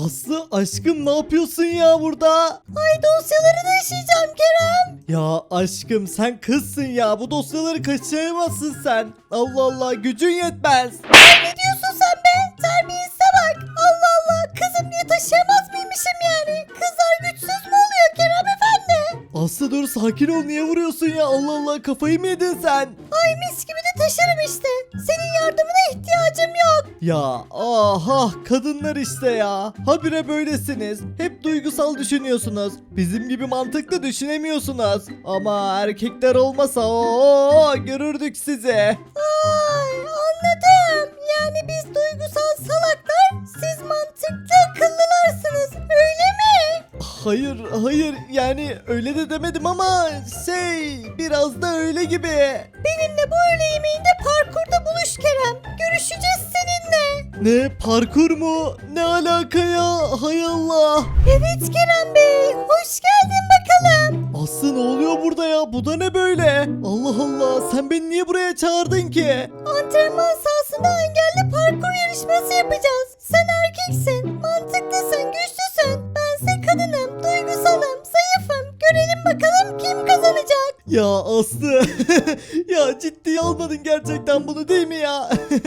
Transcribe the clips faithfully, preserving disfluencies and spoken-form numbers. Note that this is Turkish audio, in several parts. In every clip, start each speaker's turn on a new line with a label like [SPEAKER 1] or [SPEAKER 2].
[SPEAKER 1] Aslı aşkım ne yapıyorsun ya burada?
[SPEAKER 2] Ay dosyaları taşıyacağım Kerem.
[SPEAKER 1] Ya aşkım sen kızsın ya, bu dosyaları kaçıramazsın sen. Allah Allah, gücün yetmez.
[SPEAKER 2] Ay ne diyorsun sen be? Terbiyesize bak. Allah Allah, kızım diye taşıyamaz mıymışım yani? Kızlar güçsüz mü oluyor Kerem efendi?
[SPEAKER 1] Aslı dur, sakin ol, niye vuruyorsun ya? Allah Allah, kafayı mı yedin sen?
[SPEAKER 2] Ay mis gibi de taşırım işte. Senin yardımına ihtiyacım yok.
[SPEAKER 1] Ya aha, kadınlar işte ya. Habire böylesiniz. Hep duygusal düşünüyorsunuz. Bizim gibi mantıklı düşünemiyorsunuz. Ama erkekler olmasa o görürdük sizi.
[SPEAKER 2] Ay anladım. Yani biz duygusal salaklar, siz mantıklı akıllılarsınız. Öyle mi?
[SPEAKER 1] Hayır hayır, yani öyle de demedim ama şey, biraz da öyle gibi.
[SPEAKER 2] Benimle bu öğle yemeğinde parkurda buluş Kerem. Görüşeceğiz seninle.
[SPEAKER 1] Ne, parkur mu? Ne alaka ya? Hay Allah.
[SPEAKER 2] Evet Kerem Bey, hoş geldin bakalım.
[SPEAKER 1] Aslı ne oluyor burada ya? Bu da ne böyle? Allah Allah, sen beni niye buraya çağırdın ki?
[SPEAKER 2] Antrenman sahasında engelli parkur yarışması yapacağız. Sen erkeksin, mantıklısın, güçlüsün. Bense kadınım, duygusalım, zayıfım. Görelim bakalım kim kazanacak.
[SPEAKER 1] Ya Aslı ya ciddiye almadın gerçekten bunu, değil mi ya?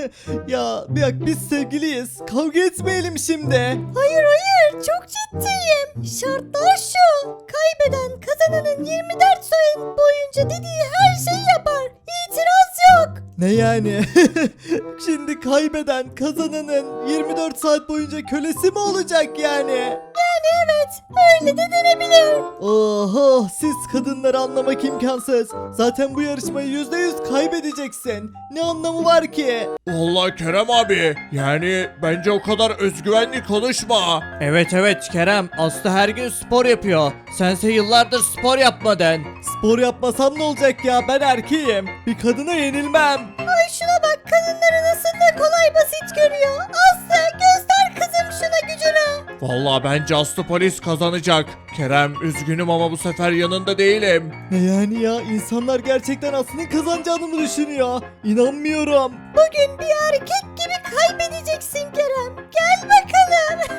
[SPEAKER 1] Ya bir dakika, biz sevgiliyiz, kavga etmeyelim şimdi.
[SPEAKER 2] Hayır hayır, çok ciddiyim. Şartlar şu. Kaybeden kazananın yirmi dört saat boyunca dediği her şeyi yapar. İtiraz yok.
[SPEAKER 1] Ne yani? Şimdi kaybeden kazananın yirmi dört saat boyunca kölesi mi olacak yani?
[SPEAKER 2] Yani evet, öyle de denebilir.
[SPEAKER 1] Oho, siz kadınları anlamak imkansız. Zaten bu yarışmayı yüzde yüz kaybedeceksin. Ne anlamı var ki?
[SPEAKER 3] Vallahi Kerem abi, yani bence o kadar özgüvenli konuşma.
[SPEAKER 4] Evet evet Kerem, Aslı her gün spor yapıyor. Sense yıllardır spor yapmadın.
[SPEAKER 1] Spor yapmasam ne olacak ya? Ben erkeğim. Bir kadına yenilmem.
[SPEAKER 2] Ay şuna bak, kadınları nasıl da kolay basit görüyor. Aslı göster kızım şuna gücünü.
[SPEAKER 3] Vallahi bence Aslı polis kazanacak. Kerem üzgünüm ama bu sefer yanında değilim.
[SPEAKER 1] Ne yani ya? İnsanlar gerçekten Aslı'nın kazanacağını mı düşünüyor? İnanmıyorum.
[SPEAKER 2] Bugün bir erkek gibi kaybedeceksin Kerem. Gel bakalım.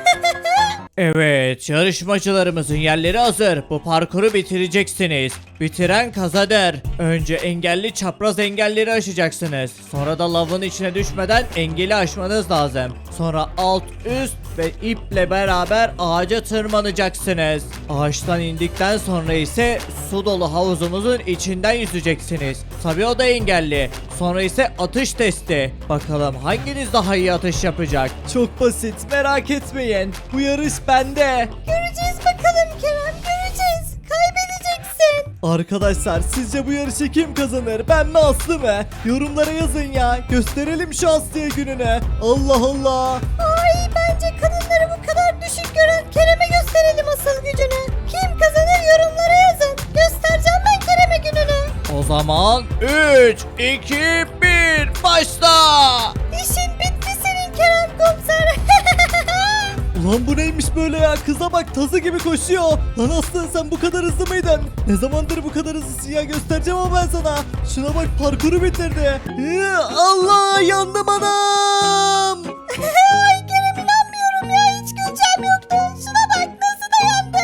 [SPEAKER 4] Evet, yarışmacılarımızın yerleri hazır. Bu parkuru bitireceksiniz. Bitiren kazanır. Önce engelli çapraz engelleri aşacaksınız. Sonra da lavın içine düşmeden engeli aşmanız lazım. Sonra alt üst ve iple beraber ağaca tırmanacaksınız. Ağaçtan indikten sonra ise su dolu havuzumuzun içinden yüzeceksiniz. Tabii o da engelli. Sonra ise atış testi. Bakalım hanginiz daha iyi atış yapacak?
[SPEAKER 1] Çok basit, merak etmeyin. Bu yarış bende.
[SPEAKER 2] Göreceğiz bakalım Kerem, göreceğiz. Kaybedeceksin.
[SPEAKER 1] Arkadaşlar, sizce bu yarışı kim kazanır? Ben mi, Aslı mı? Yorumlara yazın ya. Gösterelim şu Aslı'ya gününü. Allah Allah.
[SPEAKER 2] Ay bence kadınları bu kadar düşük gören Kerem'e gösterelim asıl gücünü. Kim kazanır yorumlara yazın. Göstereceğim ben Kerem'e gününü.
[SPEAKER 4] O zaman üç, iki, bir başla!
[SPEAKER 2] İşin bitti senin Kerem komiser.
[SPEAKER 1] Ulan bu neymiş böyle ya? Kıza bak, tazı gibi koşuyor. Lan Aslı, sen bu kadar hızlı mıydın? Ne zamandır bu kadar hızlısın ya? Göstereceğim ama ben sana. Şuna bak, parkuru bitirdi. Hı, Allah, yandım anam.
[SPEAKER 2] Ay Kerem inanmıyorum ya, hiç güleceğim yoktu. Şuna bak nasıl dayandı.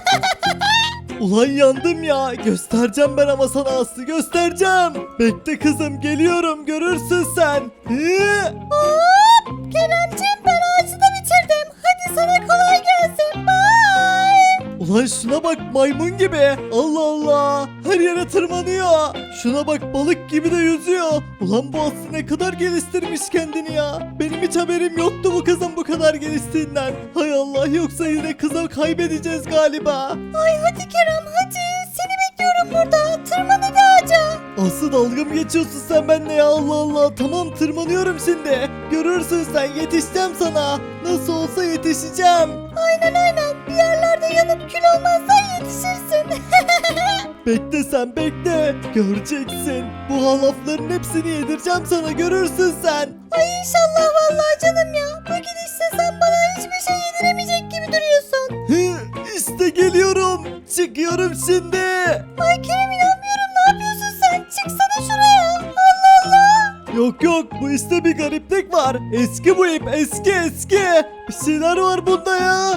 [SPEAKER 1] Ulan yandım ya. Göstereceğim ben ama sana Aslı, göstereceğim. Bekle kızım, geliyorum, görürsün sen. Hı.
[SPEAKER 2] Hop Keremciğim, ben ağacı da bitirdim. Hadi sana kolay gelsin. Bye.
[SPEAKER 1] Ulan şuna bak, maymun gibi. Allah Allah. Her yere tırmanıyor. Şuna bak, balık gibi de yüzüyor. Ulan bu Aslı ne kadar geliştirmiş kendini ya. Benim hiç haberim yoktu bu kızın bu kadar geliştiğinden. Hay Allah, yoksa yine kızı kaybedeceğiz galiba.
[SPEAKER 2] Ay hadi Kerem hadi. Seni bekliyorum burada. Tırman hadi ağaca.
[SPEAKER 1] Aslı, dalga mı geçiyorsun sen benimle ya? Allah Allah. Tamam, tırmanıyorum şimdi. Görürsün sen, yetişeceğim sana. Nasıl olsa yetişeceğim.
[SPEAKER 2] Aynen aynen. Bir yerlerde yanıp kül olmazsan yetişirsin.
[SPEAKER 1] Bekle sen, bekle. Göreceksin. Bu halafların hepsini yedireceğim sana, görürsün sen.
[SPEAKER 2] Ay inşallah vallahi canım ya. Bu gidişle sen bana hiçbir şey yediremeyecek gibi duruyorsun.
[SPEAKER 1] Hı, işte geliyorum. Çıkıyorum şimdi.
[SPEAKER 2] Ay Kerem inanmıyorum, ne yapıyorsun sen? Çıksana şuraya. Allah Allah.
[SPEAKER 1] Yok yok, bu işte bir gariplik var. Eski bu ip, eski eski. Bir şeyler var bunda ya.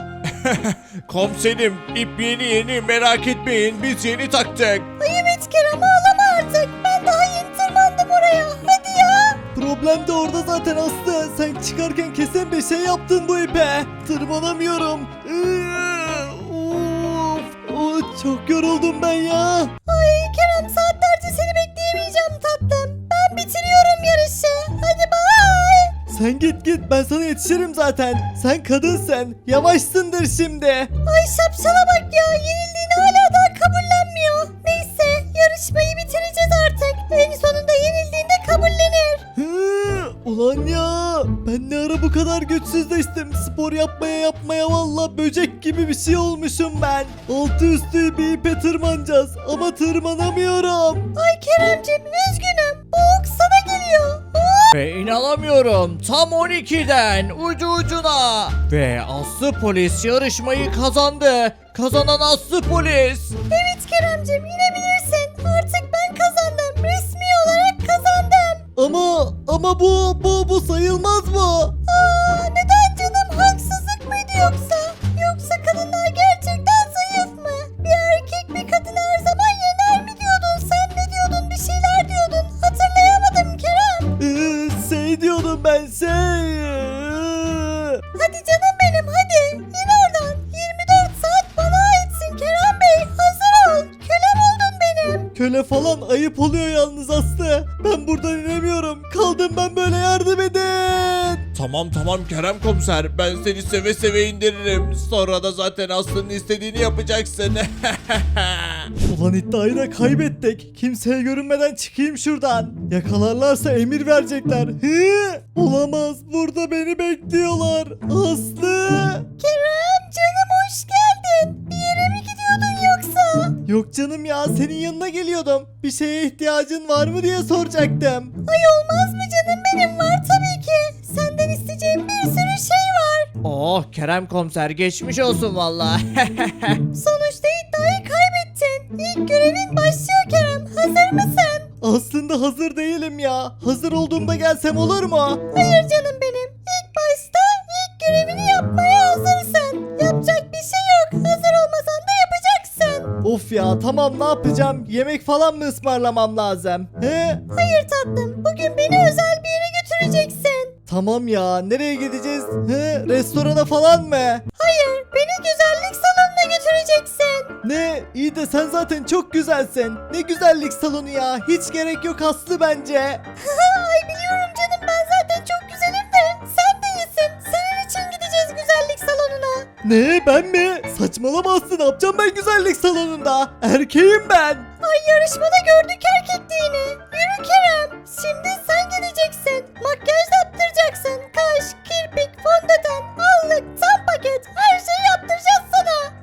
[SPEAKER 3] Komiserim ip yeni yeni merak etmeyin biz yeni taktık.
[SPEAKER 2] Ay evet Kerem ağlama artık. Ben daha yeni tırmandım oraya. Hadi ya.
[SPEAKER 1] Problem de orada zaten Aslı. Sen çıkarken kesin bir şey yaptın bu ipe. Tırmanamıyorum. Iıı, Of, of, çok yoruldum ben ya.
[SPEAKER 2] Ay Kerem saatlerce seni bekleyemeyeceğim tatlım. Ben bitiriyorum yarışı. Hadi bay.
[SPEAKER 1] Sen git git, ben sana yetişirim zaten. Sen kadınsın. Yavaşsındır şimdi.
[SPEAKER 2] Ay şapşala bak ya. Yenildiğini hala daha kabullenmiyor. Neyse yarışmayı bitireceğiz artık. En sonunda yenildiğinde kabullenir.
[SPEAKER 1] Hı, ulan ya, ben ne ara bu kadar güçsüzleştim. Spor yapmaya yapmaya valla böcek gibi bir şey olmuşum ben. Altı üstü bir ipe tırmanacağız ama tırmanamıyorum.
[SPEAKER 2] Ay Keremcim üzgünüm. Bu ok sana geliyor.
[SPEAKER 4] Ve inanamıyorum tam on ikiden ucu ucuna. Ve Aslı polis yarışmayı kazandı. Kazanan Aslı polis.
[SPEAKER 2] Evet Keremcim inebilirsin. Artık ben kazandım. Resmi olarak kazandım.
[SPEAKER 1] Ama ama bu bu bu sayılmaz mı?
[SPEAKER 2] Aa, neden canım? Haksızlık mıydı yoksa? Yoksa kadınlar gerçekten zayıf mı? Bir erkek bir kadın her zaman yener mi diyordun? Sen ne diyordun? Bir şeyler diyordun. Hatırlayamadım Kerem.
[SPEAKER 1] Ee, şey diyordum ben şey.
[SPEAKER 2] Hadi canım benim hadi. İn oradan. yirmi dört saat bana aitsin Kerem Bey. Hazır ol. Kölem oldun benim.
[SPEAKER 1] Köle falan ayıp oluyor yalnız Aslı. Ben buradan inemiyorum. Kaldım ben böyle, yardım edin.
[SPEAKER 3] Tamam tamam Kerem komiser ben seni seve seve indiririm. Sonra da zaten Aslı'nın istediğini yapacaksın.
[SPEAKER 1] Ulan iddiayı da kaybettik. Kimseye görünmeden çıkayım şuradan. Yakalarlarsa emir verecekler. Hı? Olamaz. Burada beni bekliyorlar. Aslı.
[SPEAKER 2] Kerem canım hoş geldin. Bir yere mi gidiyordun yoksa?
[SPEAKER 1] Yok canım ya, senin yanına geliyordum. Bir şeye ihtiyacın var mı diye soracaktım.
[SPEAKER 2] Ay olmaz mı canım benim var tabii ki. Senden isteyeceğim bir sürü şey var.
[SPEAKER 4] Oh Kerem komiser geçmiş olsun valla.
[SPEAKER 2] Sonuçta iddiayı kaybettin. İlk görevin başlıyor Kerem. Hazır mısın?
[SPEAKER 1] Aslında hazır değilim ya. Hazır olduğumda gelsem olur mu?
[SPEAKER 2] Hayır canım benim. İlk başta ilk görevini yapmaya hazırsın. Yapacak bir şey yok. Hazır olmasan da yapacaksın.
[SPEAKER 1] Of ya, tamam, ne yapacağım? Yemek falan mı ısmarlamam lazım? He?
[SPEAKER 2] Hayır tatlım. Bugün beni özel bir yere götüreceksin.
[SPEAKER 1] Tamam ya, nereye gideceğiz? He? Restorana falan mı?
[SPEAKER 2] Hayır. Beni güzellik salonuna götüreceksin.
[SPEAKER 1] Ne? İyi de sen zaten çok güzelsin. Ne güzellik salonu ya. Hiç gerek yok Aslı bence.
[SPEAKER 2] Ay biliyorum canım ben zaten çok güzelim de sen de iyisin. Senin için gideceğiz güzellik salonuna.
[SPEAKER 1] Ne, ben mi? Saçmalama Aslı, ne yapacağım ben güzellik salonunda? Erkeğim ben.
[SPEAKER 2] Ay yarışmada gördük erkekliğini. Yürü Kerem. Şimdi sen gideceksin. Makyaj yaptıracaksın. Kaş, kirpik, fondöten, allık, tam paket. Her şeyi yaptıracağız sana.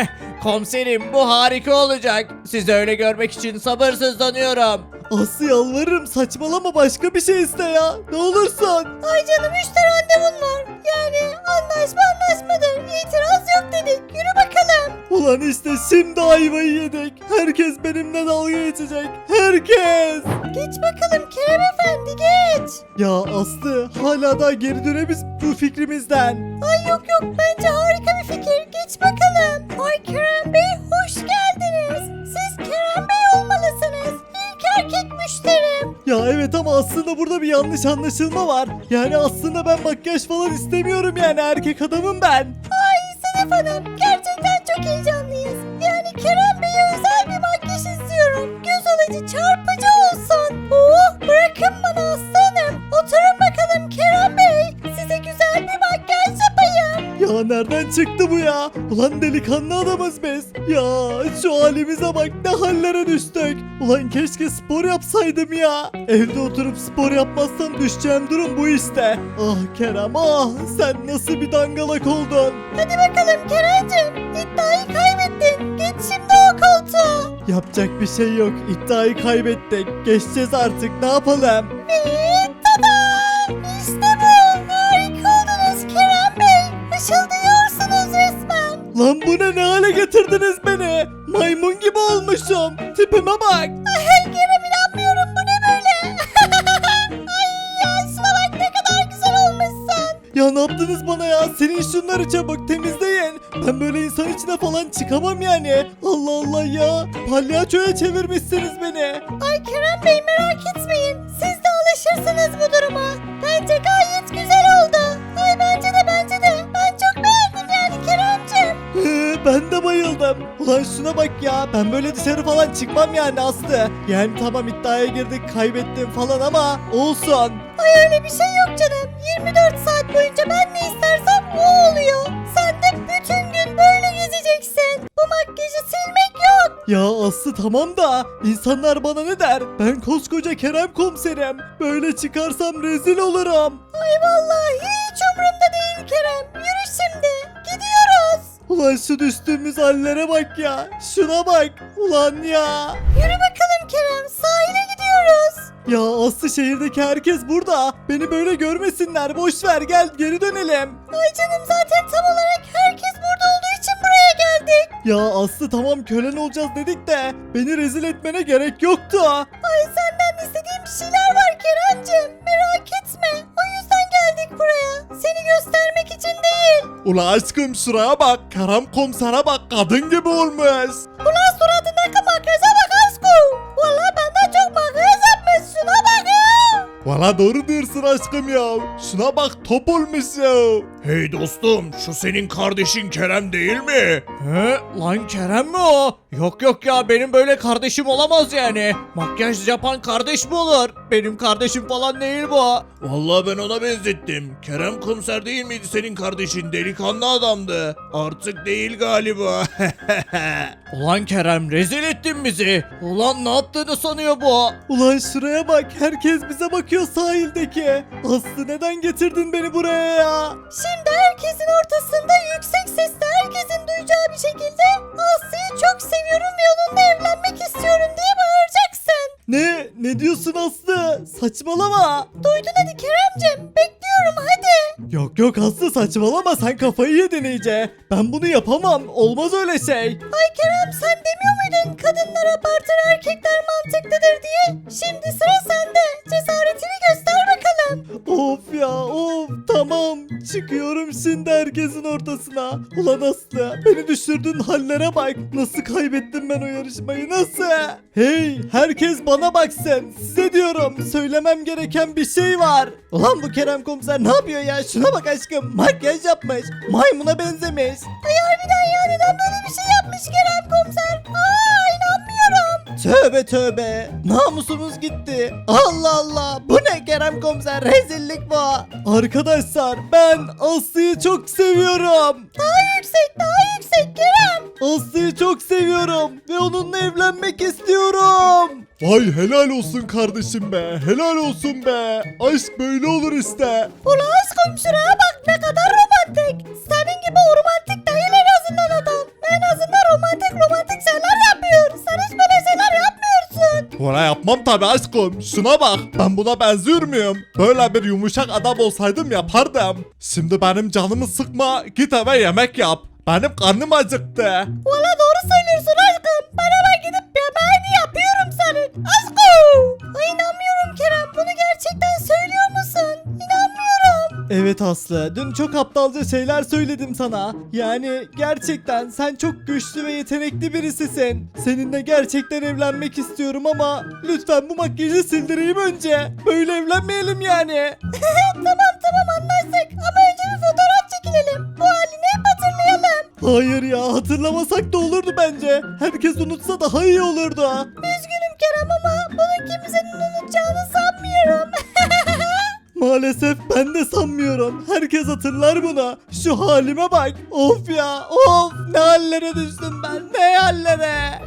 [SPEAKER 4] Komiserim bu harika olacak. Sizi öyle görmek için sabırsızlanıyorum.
[SPEAKER 1] Aslı yalvarırım, saçmalama, başka bir şey iste ya. Ne olursun.
[SPEAKER 2] Ay canım işte randevun var. Yani anlaşma anlaşmadır. İtiraz yok dedik. Yürü bakalım.
[SPEAKER 1] Ulan işte şimdi ayvayı yedik. Herkes benimle dalga geçecek. Herkes.
[SPEAKER 2] Geç bakalım Kerem efendi geç.
[SPEAKER 1] Ya Aslı, hala da geri dönemeyiz bu fikrimizden.
[SPEAKER 2] Ay yok yok bence harika bir fikir. Geç bakalım. Ay Kerem Bey hoş geldiniz. Siz Kerem Bey olmalısınız. İlk erkek müşterim.
[SPEAKER 1] Ya evet, ama aslında burada bir yanlış anlaşılma var. Yani aslında ben makyaj falan istemiyorum, yani erkek adamım ben.
[SPEAKER 2] Ay Sedef Hanım gerçekten çok heyecanlıyız. Yani Kerem Bey'e özel bir makyaj istiyorum. Göz alıcı çarpıcı olsun. Oh bırakın bana Aslı Hanım. Oturun bakalım Kerem Bey. Size güzel bir makyaj yapayım.
[SPEAKER 1] Ya nereden çıktı bu ya? Ulan delikanlı adamız biz. Ya şu halimize bak, ne hallere düştük. Ulan keşke spor yapsaydım ya. Evde oturup spor yapmazsam düşeceğim durum bu işte. Ah Kerem, ah, sen nasıl bir dangalak oldun.
[SPEAKER 2] Hadi bakalım Kerem'cim. İddiayı kaybettin. Git şimdi o koltuğa.
[SPEAKER 1] Yapacak bir şey yok. İddiayı kaybettik. Geçeceğiz artık. Ne yapalım?
[SPEAKER 2] Ve tada! İşte bu. Harika oldunuz Kerem Bey. Işıldıyorsunuz resmen.
[SPEAKER 1] Lan bu ne? Ne hale getirdiniz beni? Maymun gibi olmuşum. Tipime bak.
[SPEAKER 2] Ay Kerem inanmıyorum bu ne böyle? Ay ya şuna bak ne kadar güzel olmuşsun.
[SPEAKER 1] Ya ne yaptınız bana ya? Silin şunları çabuk, temizleyin. Ben böyle insan içine falan çıkamam yani. Allah Allah ya. Palyaçoya çevirmişsiniz beni.
[SPEAKER 2] Ay Kerem Bey merak etmeyin. Siz de alışırsınız bu duruma. Bence gayet güzel oldu. Ay bence de bence de. Ben çok beğendim yani Kerem'cim.
[SPEAKER 1] Ee, ben de bayıldım. Ulan şuna bak ya. Ben böyle dışarı falan çıkmam yani Aslı. Yani tamam iddiaya girdik kaybettim falan ama olsun.
[SPEAKER 2] Ay öyle bir şey yok canım. yirmi dört saat boyunca ben ne istersem o oluyor. Sen de bütün gün böyle gezeceksin. Bu makyajı silmek yok.
[SPEAKER 1] Ya Aslı tamam da insanlar bana ne der? Ben koskoca Kerem komiserim. Böyle çıkarsam rezil olurum.
[SPEAKER 2] Ay vallahi hiç umurumda değil Kerem. Yürü şimdi. Gidiyoruz.
[SPEAKER 1] Ulan şu düştüğümüz hallere bak ya. Şuna bak. Ulan ya.
[SPEAKER 2] Yürü bakalım Kerem. Sahile gidiyoruz.
[SPEAKER 1] Ya Aslı şehirdeki herkes burada. Beni böyle görmesinler. Boş ver gel geri dönelim.
[SPEAKER 2] Ay canım zaten tam olarak herkes burada olduğu için buraya geldik.
[SPEAKER 1] Ya Aslı tamam kölen olacağız dedik de beni rezil etmene gerek yoktu.
[SPEAKER 2] Ay senden istediğim bir şeyler var Kerem'cim. Merak etme. O yüzden geldik buraya. Seni göstermek için değil.
[SPEAKER 3] Ula aşkım şuraya bak. Kerem komisere bak, kadın gibi olmuş.
[SPEAKER 2] Ulan suratındaki makyaja bak aşkım. Valla benden çok makyaj yapmış. Şuna bak ya.
[SPEAKER 3] Valla doğru diyorsun aşkım ya. Şuna bak, top olmuş ya. Hey dostum, şu senin kardeşin Kerem değil mi?
[SPEAKER 4] He lan Kerem mi o? Yok yok ya benim böyle kardeşim olamaz yani. Makyaj yapan kardeş mi olur? Benim kardeşim falan değil bu.
[SPEAKER 3] Vallahi ben ona benzettim. Kerem komiser değil miydi senin kardeşin? Delikanlı adamdı. Artık değil galiba.
[SPEAKER 4] Ulan Kerem rezil ettin bizi. Ulan ne yaptığını sanıyor bu?
[SPEAKER 1] Ulan şuraya bak herkes bize bakıyor sahildeki. Aslı neden getirdin beni buraya ya?
[SPEAKER 2] Şimdi herkesin ortasında yüksek sesle herkesin duyacağı bir şekilde Aslı'yı çok seviyorum ve onunla evlenmek istiyorum diye bağıracaksın.
[SPEAKER 1] Ne? Ne diyorsun Aslı? Saçmalama.
[SPEAKER 2] Duydun hadi Kerem'cim. Bekliyorum hadi.
[SPEAKER 1] Yok yok Aslı saçmalama sen kafayı yedin iyice. Ben bunu yapamam. Olmaz öyle şey.
[SPEAKER 2] Ay Kerem sen demiyor muydun kadınlar abartır erkekler mantıklıdır diye? Şimdi sıra sende. Cesaretini göster bakalım.
[SPEAKER 1] Of ya of tamam. Çıkıyorum şimdi herkesin ortasına. Ulan Aslı beni düşürdüğün hallere bak. Nasıl kaybettim ben o yarışmayı nasıl? Hey herkes bana baksın. Size diyorum söylemem gereken bir şey var. Ulan bu Kerem komiser ne yapıyor ya? Şuna bak aşkım makyaj yapmış. Maymuna benzemiş.
[SPEAKER 2] Ay harbiden ya neden böyle bir şey yapmış Kerem komiser? Aa inanmıyorum.
[SPEAKER 1] Tövbe tövbe. Namusumuz gitti. Allah Allah. Bu ne Kerem komiser? Rezillik bu. Arkadaşlar ben Aslı'yı çok seviyorum.
[SPEAKER 2] Daha yüksek daha yüksek Kerem.
[SPEAKER 1] Aslı'yı çok seviyorum ve onunla evlenmek istiyorum.
[SPEAKER 3] Vay helal olsun kardeşim be. Helal olsun be. Aşk böyle olur işte.
[SPEAKER 2] Ulan aşkım şuraya bak ne kadar romantik. Senin gibi o romantik değil en azından adam. En azından romantik romantik şeyler yapıyor. Sen hiç böyle şeyler yapmıyorsun.
[SPEAKER 3] Valla yapmam tabi aşkım. Şuna bak. Ben buna benziyor muyum? Böyle bir yumuşak adam olsaydım yapardım. Şimdi benim canımı sıkma. Git eve yemek yap. Benim karnım acıktı.
[SPEAKER 2] Valla doğru söylüyorsun aşkım. Ben hemen gidip yemeğini yapıyorum senin. Aşkım. Ay inanmıyorum Kerem. Bunu gerçekten söylüyor musun? İnanmıyorum.
[SPEAKER 1] Evet Aslı, dün çok aptalca şeyler söyledim sana. Yani gerçekten sen çok güçlü ve yetenekli birisisin. Seninle gerçekten evlenmek istiyorum ama lütfen bu makyajı sildireyim önce. Böyle evlenmeyelim yani.
[SPEAKER 2] Tamam tamam anlaştık. Ama önce bir fotoğraf çekilelim. Bu halini hep hatırlayalım.
[SPEAKER 1] Hayır ya, hatırlamasak da olurdu bence. Herkes unutsa daha iyi olurdu.
[SPEAKER 2] Üzgünüm Kerem ama bunu kimsenin unutacağını sanmıyorum.
[SPEAKER 1] Maalesef ben de sanmıyorum. Herkes hatırlar bunu. Şu halime bak. Of ya, of. Ne hallere düştüm ben. Ne hallere.